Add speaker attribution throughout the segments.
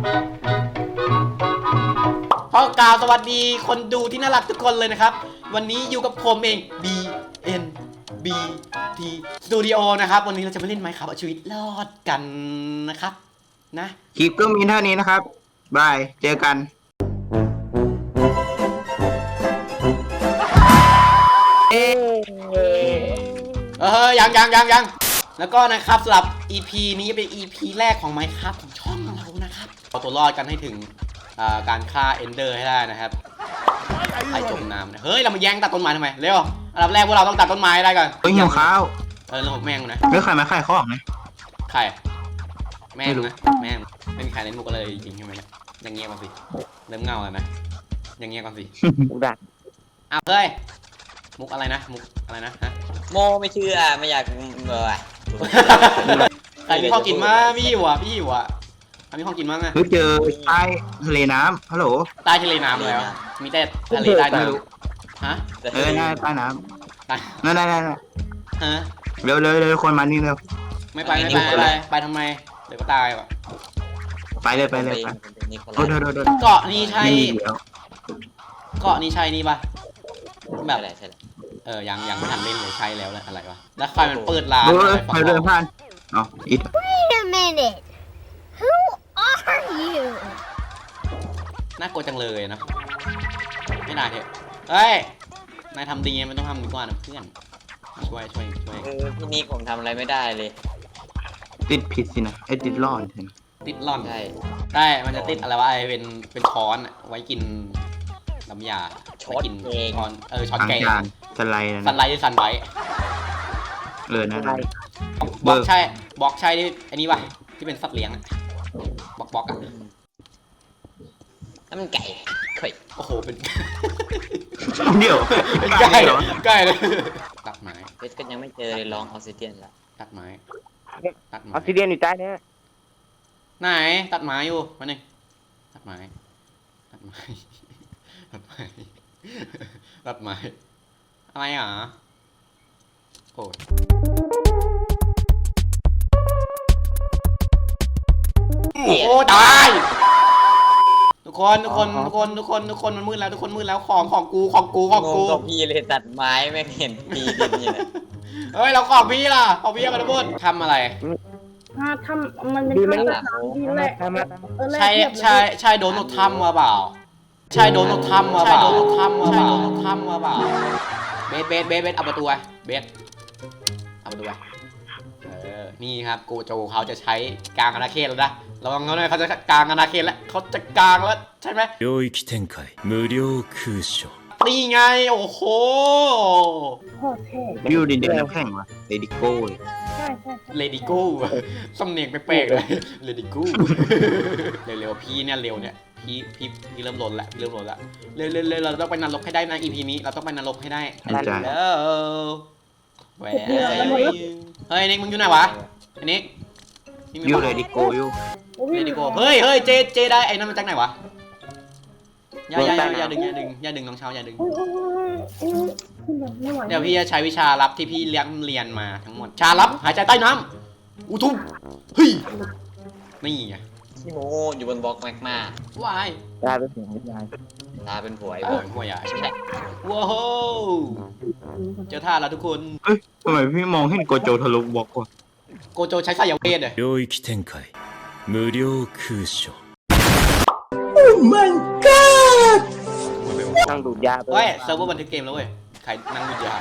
Speaker 1: ขอกล่าวสวัสดีคนดูที่น่ารักทุกคนเลยนะครับวันนี้อยู่กับผมเอง BNBT Studio นะครับวันนี้เราจะมาเล่นไมค์ครับเอาชีวิตรอดกันนะครับนะ
Speaker 2: คลิปก็มีเท่านี้นะครับบายเจอกัน
Speaker 1: ยังแล้วก็นะครับสำหรับ EP นี้เป็น EP แรกของ Minecraft ของช่องเรานะครับเอาตัวรอดกันให้ถึงการฆ่า Ender ให้ได้นะครับไอจมน้ำเฮ้ยเรามาแย่งตัดต้นไม้ทำไมเร็วอันดับแรกพวกเราต้องตัดต้นไม้ได้ก่อน
Speaker 2: เฮ้ยหิวข้าว
Speaker 1: เรื่องแม่งนะ
Speaker 2: ไม่ใครมาขายของนะ
Speaker 1: ใครแม่งนะแม่งไม่มีใครเล่นมุกอะไรจริงใช่ไหมเนี่ยอย่างเงี้ยก่อนสิเริ่มเงาแล้วนะอย่างเงี้ยก่อนสิ
Speaker 2: มุกดัก
Speaker 1: เฮ้ยมุกอะไรนะมุกอะไรนะฮะ
Speaker 3: โมไม่เชื่อไม่อยาก
Speaker 1: ใครมีข้าวกินมาพี่อยู่อ่ะมีข้าวกินมั้งอ่ะ
Speaker 2: เจอใต้ทะเลน้ำฮัลโหล
Speaker 1: ใต้ทะเลน้ำแล้วมีแต่ทะเลใต้น้ำฮะ
Speaker 2: ใต้น้ำนั่น
Speaker 1: ฮะ
Speaker 2: เร็วคนมานี่เร็ว
Speaker 1: ไม่ไปทำไมเดี๋ยวก็ตายว่ะ
Speaker 2: ไปเลย
Speaker 1: เกาะนี้ใช่นี่ปะแบบยังไม่ทันเล่นเลยใช่แล้วแหละอะไรวะแล้วใครมันเปิดร้าน
Speaker 2: ไปเลยผ่านอ๋ออิด
Speaker 4: Wait a minute Who are you
Speaker 1: น่ากลัวจังเลยนะไม่น่าเถอะเฮ้ยนายทำดีมันต้องทำดีกว่านะเพื่อนช่วย
Speaker 3: พี่นี่ผมทำอะไรไม่ได้เลย
Speaker 2: ติดผิดสินะติดร่อน
Speaker 1: ติดร่อนใช่มันจะติดอะไรวะเป็นช้อนไว้กินน้ำยา
Speaker 3: ช้อน
Speaker 1: กินช้อนช้อนแกง
Speaker 2: สไลด์
Speaker 1: ซันไบท์
Speaker 2: นั่น
Speaker 1: บอกใช่ที่อันนี้วะที่เป็นสัตว์เลี้ยงบอกอ่ะ
Speaker 3: นั่นมันไก่
Speaker 1: โอ้โหเป็น
Speaker 2: เดี๋ยว
Speaker 1: เป็นไก่เลยตัดไม้
Speaker 3: เพชรก็ยังไม่เจอเลยลองออกซิเดียนละ
Speaker 1: ตัดไม้
Speaker 2: ออกซิเดียนอยู่ใต้นี้
Speaker 1: ไหนตัดไม้อยู่มาหนึ่งตัดไม้อะไรอ่ะโอ้ตายทุกคนมันมืดแล้วทุกคนมืดแล้วของกู
Speaker 3: พี่เลยตัดไม้ไม่เห็นปีนี่แหละ
Speaker 1: เฮ้ยเราของพี่ล่ะของพี่กันทุกคนทำอะไร
Speaker 4: ทำมันเป็นคำถามที่แรก
Speaker 1: ใช่โดนทำมาเปล่าใช่โดนทำมาเปล่าเบสเอาประตูเบสเอาประตูนี่ครับโกโจเขาจะใช้กลางอาณาเขตแล้วนะระวังเขาหน่อยเขาจะกลางอาณาเขตแล้วเขาจะกลางแล้วใช่ไหม領域展開無料空所นี่ไงโอ้โห
Speaker 2: วิวดินเดียวน้ำแข็งวะเลดิโก้
Speaker 1: เลดิโก้สำเนียงแปลกๆเลยเลดิโก้เร็วพี่เนี่ยเร็วเนี่ยพี่เริ่มลนละเร็วเราต้องไปนรกให้ได้นะ EP นี้เราต้องไปนรกให้ได้แหวเฮ้ยนิกมึงอยู่ไหนวะนิก
Speaker 2: อยู่เลดิโก้
Speaker 1: เฮ้ยเจได้ไอ้นั่นมาจากไหนวะอย่าดึงน้องเช้าอย่าดึงเดี๋ยวพี่จะใช้วิชาลับที่พี่เรียนมาทั้งหมดชาลับหายใจใต้น้ำอุทุมเฮ้ยนี่ไง
Speaker 3: ชิโมอยู่บนบล็อกแมกมาว
Speaker 1: าย
Speaker 2: ตาเป็นหัวยาย
Speaker 3: ตาเป็นผัว
Speaker 1: หัวยายว้าวเจอท่าแล้วทุกคน
Speaker 2: ทำไมพี่มองเห็นโกโจทะลุบล็อกวะ
Speaker 1: โกโจใช้สายเวทเลย領域展開無料空所
Speaker 2: Oh my god นั่งดูดยา
Speaker 1: เฮ้ยเซิร์ฟเวอร์บันทึกเกมแล้วเว้ยใครนั่งดูดยา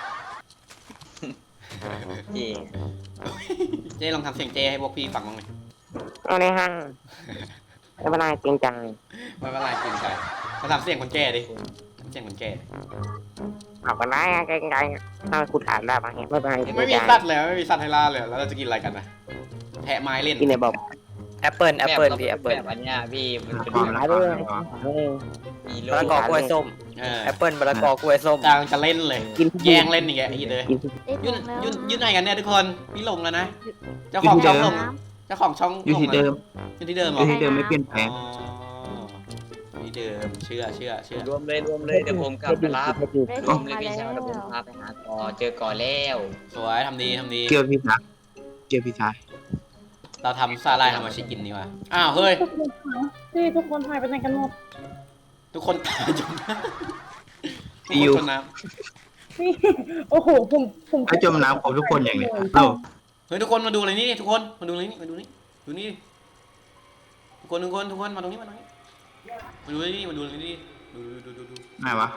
Speaker 1: เจลองทำเสียงเจให้พวกพี่ฟังบ้างไหม
Speaker 2: เอาเลยฮะไม่เป็นไรเกรงใจ
Speaker 1: มาทำเสียงคนแก่ดิเสียงคนแก่
Speaker 2: เอาไปได้เกรงใจถ้าคุณถามได้ปะเนี่ย
Speaker 1: ไม่มีสัตว์เลยไม่มีสัตว์ให้ล่าเลยแล้วเราจะกินอะไรกันนะแทะไม้เล่น
Speaker 2: กินในบ่อ
Speaker 3: แอปเปิลพี่แอปเปิลอันนี้พี่มันเป็น
Speaker 2: ไม้ด้วย
Speaker 3: มะละกอกล้วยส้มแอปเปิลมะละกอกล้วยส้ม
Speaker 1: กลางจะเล่นเลยแย่งเล่นอีกไอ้เลยยืนไหนกันเนี่ยทุกคนพี่ลงแล้วนะเจ้าของช่อง
Speaker 2: อยู่ที่เดิมไม่เปลี่ยนแปลง
Speaker 1: ที่เดิมเชื่อ
Speaker 3: รวมเลยเดี๋ยวผมกลับไปรับรวมเลยพี่ชายเดี๋ยวผมพาไปหาเจอก่อแล้ว
Speaker 1: สวยทำดี
Speaker 2: เกี่ยวพี่ชาย
Speaker 1: เราทำซาลายทำมาชิกินดีกว่าอ้าวเฮ้ย
Speaker 5: ทุกคนหายไปไหนกันหมด
Speaker 1: ทุกคนตายจมน้ำ
Speaker 6: อิว
Speaker 1: ทุกคนจมน้
Speaker 5: นี่โอ้โหผม
Speaker 6: ไอ้จมน้ำครบทุกคนอย่างเนี้ยเอ้า
Speaker 1: ำเฮ้ยทุกคนมาดูอะไรนี่ทุกคนมาดูอะไรนี่มาดูนี่ดูนี่ทุกคนมาตรงนี้มาตรงนี้มาดูนี่มาดูนี่ดู
Speaker 6: ไหนวะ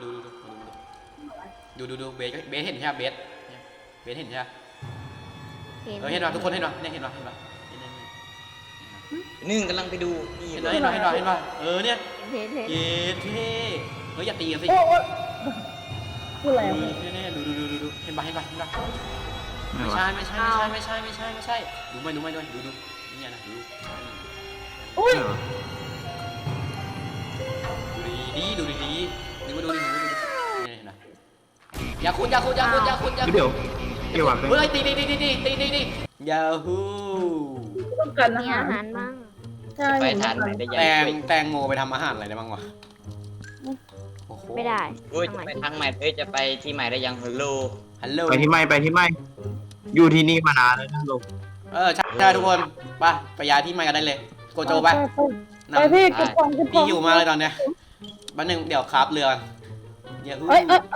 Speaker 1: ดูเบสเห็นใช่ไหมเบสเห็นใช่ไหมเห็นป่ะทุกคนเห็นป่ะเนี่ยเห็นป่ะ
Speaker 3: นึ่งกำลังไปดูนี่
Speaker 1: เห็นป่ะเออเนี่ย
Speaker 4: เห็น
Speaker 1: เย้เท่เฮ้ยอย่าตีกันสิ
Speaker 5: โอ้พูดอะไร
Speaker 1: เนี่ยดูเห็นป่ะ
Speaker 6: ไหน
Speaker 1: ไม่
Speaker 6: วะ
Speaker 1: ใช่ดูไม่ด้วยดูนี่นะดู
Speaker 5: อุ้ย
Speaker 1: ดูดีนี่มาดูดินี่นะอย่าคุณ
Speaker 6: เดี๋ยววะ
Speaker 1: เฮ้ยตียาฮู
Speaker 5: ต้องการอา
Speaker 4: มี
Speaker 5: หาร
Speaker 4: อาหารบ้าง
Speaker 5: ใช่
Speaker 3: ไปทานไหนได้ยัง
Speaker 1: แตงโมไปทำอาหารอะไรได้บ้างวะ
Speaker 4: ไม่ได้
Speaker 3: โอ้ยจะไปทางใหม่จะไปที่ใหม่ได้ยังฮัลโหล
Speaker 1: ฮัลโหล
Speaker 6: ไปที่ไม่อยู่ที่นี่มานานแล้วนะลูก
Speaker 1: ใช่ทุกคนไปย้ายที่ใหม่กันได้เลยโกโจไป
Speaker 5: ไปพี่กระป๋อง
Speaker 1: พี่อยู่มากเลยตอนเนี้ยบันหนึ่งเดี๋ยวคราฟเรืออย่าฮู้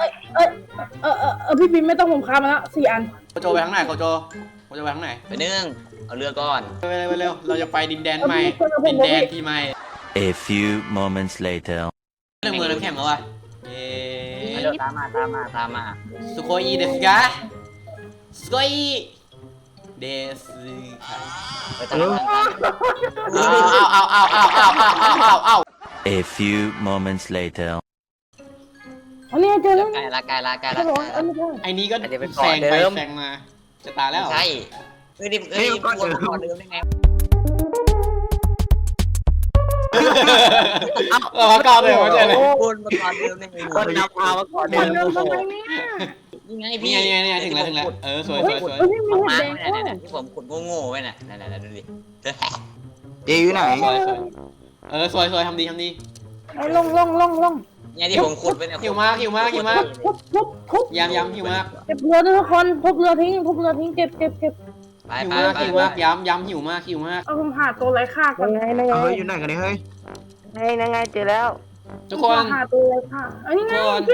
Speaker 5: พี่บินไม่ต้องผมค้ามาแล้ว4 อัน
Speaker 1: โกโจไปทางไหนโกโจไปทางไหน
Speaker 3: ไปนึ่งเอาเรือก่อน
Speaker 1: ไปเร็วเราจะไปดินแดนใหม่ดินแดนที่ใหม่
Speaker 7: A few moments later.
Speaker 1: เรื่องมือน้ำแข็งแล้ววะเย้
Speaker 3: ตามมา
Speaker 1: สุโคอีเดสกาสุโคอีเดสกา
Speaker 3: ไปทาง
Speaker 1: เอา
Speaker 7: A few moments later.
Speaker 5: อันนี้เจอแล้ว
Speaker 3: ไกลละ
Speaker 5: ครับผมอันนี้ใช่
Speaker 1: ไอ้นี้ก็แซงไปแซงมาจะตายแล้ว
Speaker 3: ใช่ก่อนเดิมได้ไง
Speaker 1: เราก้าวเลยไม่ใช่เลย
Speaker 3: วนมาก่อนเดิมได้ไงคนนำพามาก่อน
Speaker 5: ค
Speaker 3: เดิ
Speaker 5: น
Speaker 3: ม
Speaker 5: เดิมทำไมเนี่ย
Speaker 3: นี่ไง
Speaker 1: นี่
Speaker 3: พี่
Speaker 1: ไงถึงแล้วสวย
Speaker 5: พี่มี
Speaker 3: มา
Speaker 5: เห็ดแดง
Speaker 3: เนี่ยที่ผมขุดโง่ๆไว้น่ะนั่นดูดิ
Speaker 6: เออยู่ไหน
Speaker 1: สวยทำดี
Speaker 5: ลง
Speaker 3: เนี่ยที่ผมขุดไว้เนี่ย
Speaker 1: หิวมาก
Speaker 5: ทุบ
Speaker 1: ยำหิวมาก
Speaker 5: เก็บเรือทุกคนทุบเรือทิ้งเก็บ
Speaker 3: ไป
Speaker 1: หิวมากยำหิวมาก
Speaker 5: เอาผมหาตัวไร้ค่าก่อน
Speaker 6: เฮ้ยอยู่ไหนกันเนี่ยเฮ้ย
Speaker 2: ไงเจอแล้ว
Speaker 1: ทุกคน
Speaker 5: หาตัวไร้ค่าอันนี้ไง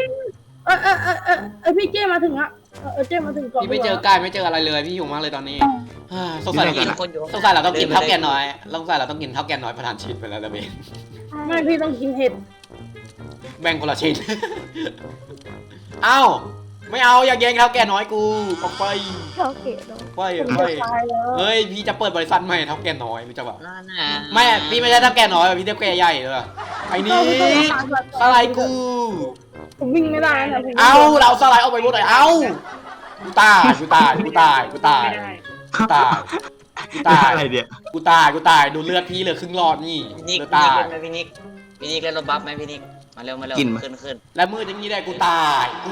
Speaker 5: พี่เจมาถึงอะเจมาถึงก่อน
Speaker 1: พี่ไม่เจอกายไม่เจออะไรเลยพี่หิวมากเลยตอนนี้สงสัยเราต้องกินเท่าแก่น้อยประทานชิ้นไปแล้วนะเบน
Speaker 5: ไม่พี่ต้องกินเห็ด
Speaker 1: แบ่งคนละชิ้นเอ้าไม่เอาอยากแย่งเท่าแก่น้อยกูออกไป
Speaker 4: เขาเกลียดเรา
Speaker 1: ไป
Speaker 5: ผมจะตายแล้ว
Speaker 1: เฮ้ยพี่จะเปิดบริษัทใหม่เท่าแก่น้อยรู้จักป่ะ
Speaker 3: นั่นน่ะ
Speaker 1: ไม่พี่ไม่ใช่เท่าแก่น้อยพี่เท่าแก่ใหญ่เลยไอ้นี่อะไรกู
Speaker 5: ผมวิ่งไม่ได้นะ
Speaker 1: เอาเราสไลด์ออกไปหมดเลยเอากูตาย
Speaker 6: อะไรเนี่ย
Speaker 1: กูตายดูเลือดพี่เหลือครึ่งหลอดนี่
Speaker 3: พี่นิก
Speaker 1: เลือดตาย
Speaker 3: พี่นิกเล่นรถบัฟไหมพี่นิกมาเร็วขึ้น
Speaker 1: แล้วมืดอย่างนี้ได้กูตาย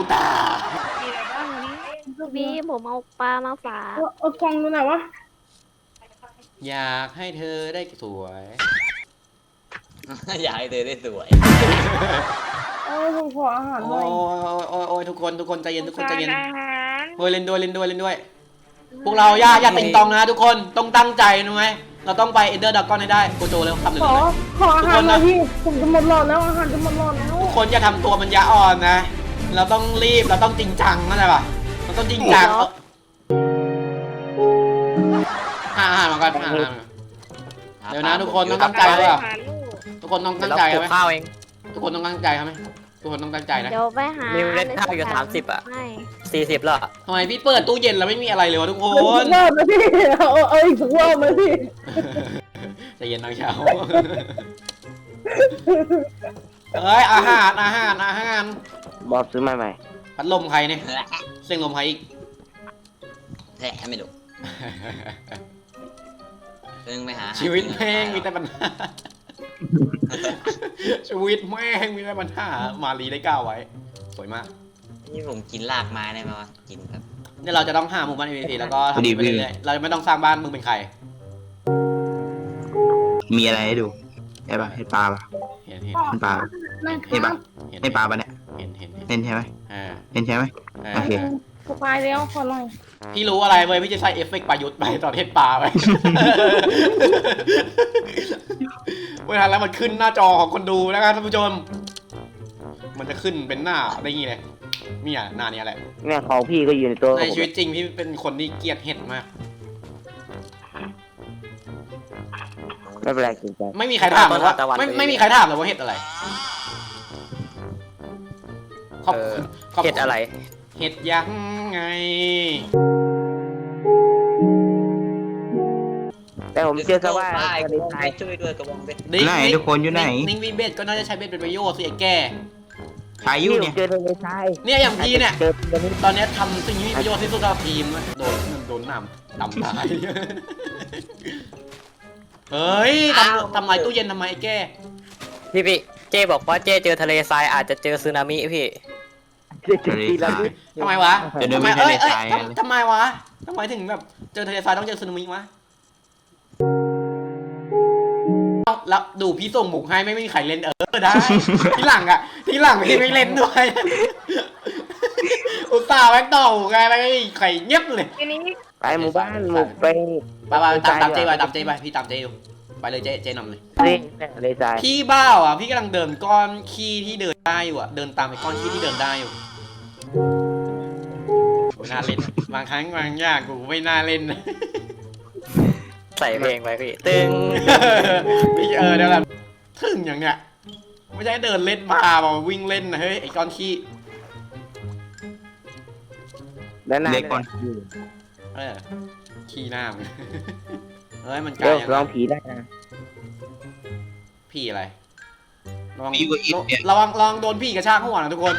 Speaker 4: พี่ผมเอาปลามาฝาก
Speaker 5: เอากล่องดูหน่อยวะ
Speaker 1: อยากให้เธอได้สวย
Speaker 3: อยากให้เธอได้สวย
Speaker 5: ผมขออาหารห
Speaker 1: โอ้
Speaker 5: น่อย
Speaker 1: ยทุกคนใจเย็นเฮ้ยเล่นด้วยพวกเราอย่าติงตองนะทุกคนต้องตั้งใจนะไหมเราต้องไปเอเดอร์ดักกอนให้ได้โกโจเร็วทำเลย
Speaker 5: ขออาหารหน่อยพี่ผมจะหมดหลอดแล้วอาหารจะหมดหลอดแล้ว
Speaker 1: ทุกคนอย่าทำตัวมันยาอ่อนนะ เราต้องรีบเราต้องจริงจังเข้าใจป่ะเราต้องจริงจังอาหารมาก่อนอาหารเดี๋ยวนะทุกคนต้องตั้งใจเลยทุกคนต้องตั้งใจไหม
Speaker 2: ข้าวเอง
Speaker 1: ทุกคนต้องตั้งใจไหมทุกคนต้องตั้งใจนะ
Speaker 4: เดี๋ยวไปหา
Speaker 2: นิวเล่นข้าวอยู่30 อ่ะ
Speaker 4: ไม่
Speaker 2: 40แล้ว
Speaker 1: ทำไมพี่เปิดตู้เย็นแล้วไม่มีอะไรเลยวะทุกค
Speaker 5: เอาอี
Speaker 1: น
Speaker 5: กรอบไหมพี่เอาอีกสักรอบไหมพี่
Speaker 1: ใจเย็นน้องเช้าเฮ้ยอาหาร
Speaker 2: บอบซื้อมาใหม่
Speaker 1: พัดลมใครเนี่ยเสียงลมใครอีก
Speaker 3: แท้ไม่ดูเพิ่งไปหา
Speaker 1: ชีวิตแม่งมีแต่ปัญหาชีวิตแม่งมีแต่ปัญหามารีได้ก้าวไว้สวยมาก
Speaker 3: นี่ผมกินรากไม้ได้ไหมวะกินครับ
Speaker 1: เนี่ยเราจะต้องหาหมู่บ้าน NPC แล้วก็ทำไปเรื่อยๆเราจะไม่ต้องสร้างบ้านมึงเป็นใคร
Speaker 6: มีอะไรให้ดูใช่ปะให้ปลาปะ
Speaker 1: เห็น
Speaker 6: ให้ปลา
Speaker 5: นั่ง
Speaker 6: ให้ปลา
Speaker 1: เห็น
Speaker 6: ให้ปลาปะเนี่ย
Speaker 1: เห็น
Speaker 6: เล่นใช่ไหม
Speaker 1: อ่า
Speaker 6: เล่นใช่ไหมโอเค
Speaker 5: สบายแล้วขอหน่อย
Speaker 1: พี่รู้อะไรเว้ยพี่จะใส่เอฟเฟกต์ประยุทธ์ไปตอนเทศปลาไป เวลาแล้วมันขึ้นหน้าจอของคนดูนะครับท่านผู้ชมมันจะขึ้นเป็นหน้าได้งี้เลยเนี่ยหน้านี้แหละ
Speaker 2: เนี่ยของพี่ก็อยู่ในตัว
Speaker 1: ในชีวิตจริงพี่เป็นคนที่เกลียดเห็ดมาก
Speaker 2: ไม่เป็นไรจริงใจ
Speaker 1: ไม่มีใครถามเลยว่าไม่มีใครถามเลยว่าเห็ดอะไรขอบคุณขอบคุณ
Speaker 3: เห็ดอะไร
Speaker 1: เห็ดยังไง
Speaker 2: แต่ผมเชื่อซะว่า
Speaker 3: ได้
Speaker 2: ทะเลทราย
Speaker 3: ช่วยด้วยกระบองเพชร
Speaker 6: ไหนทุกคนอยู่ไหน
Speaker 1: นิ่งวีเบสก็น่าจะใช้เบ็ดเป็นประโยชน์สิไอ้แก่
Speaker 6: ใช้อยู่เนี่ย
Speaker 2: เจอทะเลทราย
Speaker 1: เนี่ยอย่างพี่เนี่ย
Speaker 2: เจอตรงนี้
Speaker 1: ตอนเนี้ยทำสิ่งที่มีประโยชน์ที่สุดกับทีมนะโดนน้ำดำตาย เฮ้ยทำไมตู้เย็นทำไมไอ้แก่
Speaker 3: พี่เจ้บอกว่าเจ้เจอทะเลทรายอาจจะเจอสึนามิพี่
Speaker 2: ทีละนิด
Speaker 1: ทำไมวะ
Speaker 6: จะเดิน
Speaker 1: ทำไม
Speaker 6: ไปทะเลทราย
Speaker 1: ทำไมวะทำไมถึงแบบเจอทะเลทรายต้องเจอสึนามิวะแล้วดูพี่ส่งหมุกให้ไม่มีใครเล่นได้ ทีหลังพี่ไม่เล่นด้วย อุตส่าห์แม็กต่อไงแล้วก็ไข่เงียบเลย
Speaker 2: ไปหมู่บ้านหมู่ไป
Speaker 1: ไปตามเจไปพี่ตามเจอยู่ไปเลยเจนำเลย
Speaker 2: ทะเลทราย
Speaker 1: พี่บ้าวอ่ะพี่กำลังเดินก้อนขี้ที่เดินได้อยู่อ่ะเดินตามไปก้อนขี้ที่เดินได้อยู่ไม่น่าเล่นบางครั้งบางอย่างกูไม่น่าเล่น
Speaker 3: ใส่เพลงไปพี่ตึง
Speaker 1: พี่เดี๋ยวกันถึงอย่างเนี้ยไม่ใช่เดินเล่นมาบอกวิ่งเล่นนะเฮ้ยไอ้ก้อนขี้
Speaker 2: ด้านหน้า
Speaker 6: เด็กก่อน
Speaker 1: ขี้หน้ามึงเฮ้ยมันไกล
Speaker 2: เดี๋ยว
Speaker 1: ยัง
Speaker 2: ลองผีได้นะ
Speaker 1: พี่อะไรระวัง
Speaker 6: พี่ก็อิดเนี่ย
Speaker 1: ระวังโดนพี่กระชากหัวนะทุกคน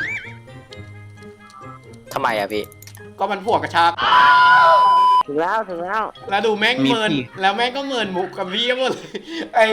Speaker 1: แล้ว
Speaker 3: ทำไมอะพี่
Speaker 1: ก็มันพวกกระชาก
Speaker 2: ถึงแล้ว
Speaker 1: แล้วดูแม่งเมินแล้วแม่งก็เมินมุกกับพี่หมดเลยไอ้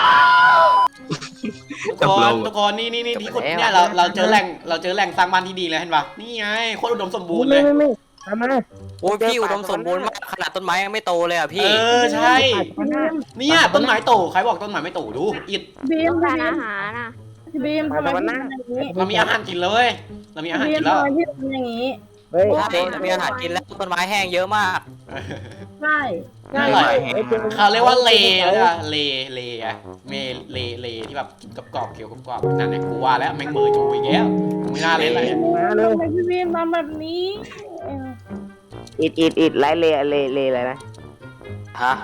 Speaker 1: ทุกคนนี่ที่ขุดเนี่ยเราเจอแหล่งสร้างบ้านที่ดีแล้วเห็นปะนี่ไงโคตรอุดมสมบูรณ์เลย
Speaker 2: ไม่ทำมา
Speaker 3: โอ้ยพี่อุดมสมบูรณ์มากขนาดต้นไม้ยังไม่โตเลยอะพี่
Speaker 1: ใช่เนี่ยต้นไม้โตใครบอกต้นไม้ไม่โตดูอิด
Speaker 5: บีม
Speaker 4: ทานอาหารอ่ะ
Speaker 5: บีมทำไมพี่ทำอย่างนี้
Speaker 1: เรามีอาหารกินเลยเรามีอาหาร
Speaker 5: บี
Speaker 1: กิ
Speaker 5: ม
Speaker 1: นแล้ว
Speaker 5: ทำไมพี่ทำอย่างนี้
Speaker 2: เฮ้ย
Speaker 3: ใช่มีอาหารกินแล้วต้นไม้แห้งเยอะมาก
Speaker 5: ใช่ใช่
Speaker 1: อร่อยเขาเรียกว่าเลอะเลอะเลที่แบบกินกรอบๆเคี้ยวกรอบๆนั่นแหละกูว่าแล้วแม่งมือจูอีกแล้วไม่น่าเล่นเลย
Speaker 2: มาเร็ว
Speaker 5: ทำไมพี่บีมทำแบบนี้เออ
Speaker 2: อิดไล่เลอะไรนะ
Speaker 3: ฮะ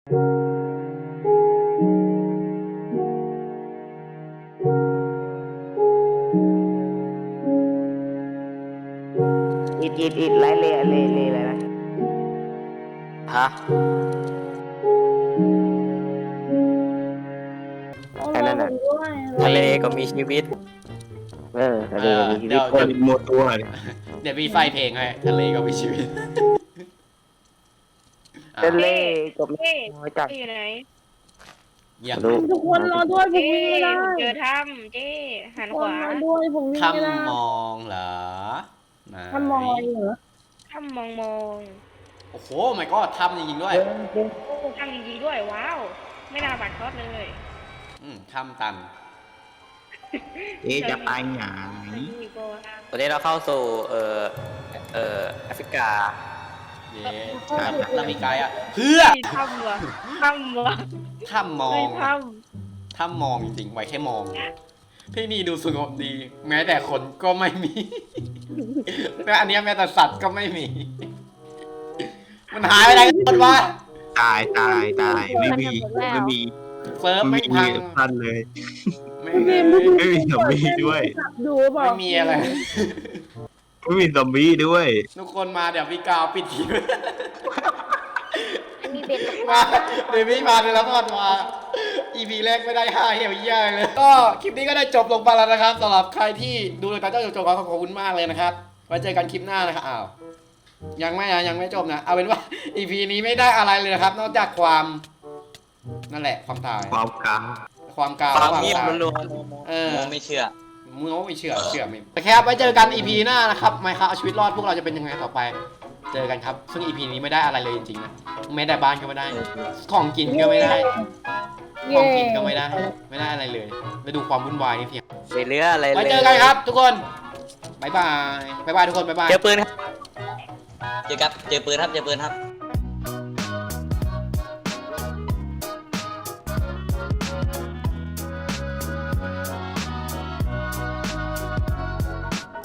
Speaker 2: อิดไล่เลอะไรนะ
Speaker 3: ฮะ
Speaker 2: อันนั้นน่ะ
Speaker 5: ด้วย
Speaker 3: ทะเลก็มีชีวิต
Speaker 2: ทะเลมีชีวิต
Speaker 6: คนหมดตัวเลย
Speaker 1: เดี๋ยวพี่ไฟเพลงให้ทะเลก็มีชีวิต
Speaker 2: ทะเลก็ไม่จัด
Speaker 8: อยู่ไหน
Speaker 1: อย่า
Speaker 2: ดู
Speaker 5: ทุกคนรอด้วยผม
Speaker 8: เจ๊
Speaker 5: วิ่งไม่ได้
Speaker 8: เจอถ้ำเจ๊หัน
Speaker 5: ทุก
Speaker 8: ข
Speaker 5: คน
Speaker 8: วาร
Speaker 5: อด้วยผมวิ่งไม่ได้
Speaker 1: คำมองเหรอไหน
Speaker 5: ทำมองอะไรเหรอ
Speaker 8: ถ้ำมอง
Speaker 1: โอ้โหไม่ก็ทำจริงๆด้วย
Speaker 8: ถ้ำจริงๆด้วยว้าว ไม่น่าบัดทอดเลย
Speaker 1: ทำตัน
Speaker 6: จะไปไหน
Speaker 8: นี่ก็
Speaker 3: วันนี้เราเข้าสู่แอฟริกา
Speaker 1: เย้เรามีไกด์อ่ะเพื่อ
Speaker 8: มีถ้ำเหรอถ้ำเหรอ
Speaker 1: ถ้ำมอ
Speaker 8: ไม่
Speaker 1: ง
Speaker 8: ถ้
Speaker 1: ถ้ำมองจริงๆไว้แค่มอง ที่นี่ดูสงบดี แม้แต่คนก็ไม่มีและอันเนี้ยแม้แต่สัตว์ก็ไม่มี มันหายไปไหนกันหมดวะ
Speaker 6: ตายไม่มี
Speaker 1: เซิร์ฟ
Speaker 6: ไม่
Speaker 1: ไม่
Speaker 6: มี
Speaker 1: พัง
Speaker 6: ท่านเลย
Speaker 1: ไม่
Speaker 5: พี่
Speaker 1: มี
Speaker 5: บีม
Speaker 6: ไม่มีซอมบี้ด้วย
Speaker 5: ดูเปล่า
Speaker 1: ไม่มีอะไร
Speaker 6: ไม่มีซอมบี้ด้วย
Speaker 1: ทุกคนมาเดี๋ยวพี่กาวปิดที
Speaker 4: มีเบ็ดตกป
Speaker 1: มา
Speaker 4: ลา
Speaker 1: เดี๋ยวพี่มาเลยแล้วก่อนมา EP แรกไม่ได้5เหี่ยวเยี่ยเลย ก็คลิปนี้ก็ได้จบลงไปแล้วนะครับสำหรับใครที่ดูเลยตอนเจ้าจบขอบคุณมากเลยนะครับไว้เจอกันคลิปหน้านะครับอ้าวยังไม่จบนะเอาเป็นว่า EP นี้ไม่ได้อะไรเลยนะครับ นอกจากความนั่นแหละความตาย
Speaker 6: ความกลาง
Speaker 1: ความกาว
Speaker 3: ความ
Speaker 1: ระหว่าง
Speaker 3: เงียบ
Speaker 1: ตาย
Speaker 3: ล้วน
Speaker 1: เออ
Speaker 3: ๆไม่เชื่อ
Speaker 1: มึงก็ไม่เชื่อไม่โอเคครับไว้เจอกัน EP หน้านะครับไม่ครับเอาชีวิตรอดพวกเราจะเป็นยังไงต่อไป เจอกันครับซึ่ง EP นี้ไม่ได้อะไรเลยจริงๆนะแม้แต่บ้านก็ไม่ได้ ของกินก็ไม่ได้ ของกินก็ไม่ได้อะไรเลยไปดูความวุ่นวายนี่เพียง
Speaker 3: ไปเรืออะไรเลย
Speaker 1: ไว้เจอกันครับทุกคนบ๊ายบายทุกคนบ๊ายบาย
Speaker 3: เจอปืนครับเจอปืนครับ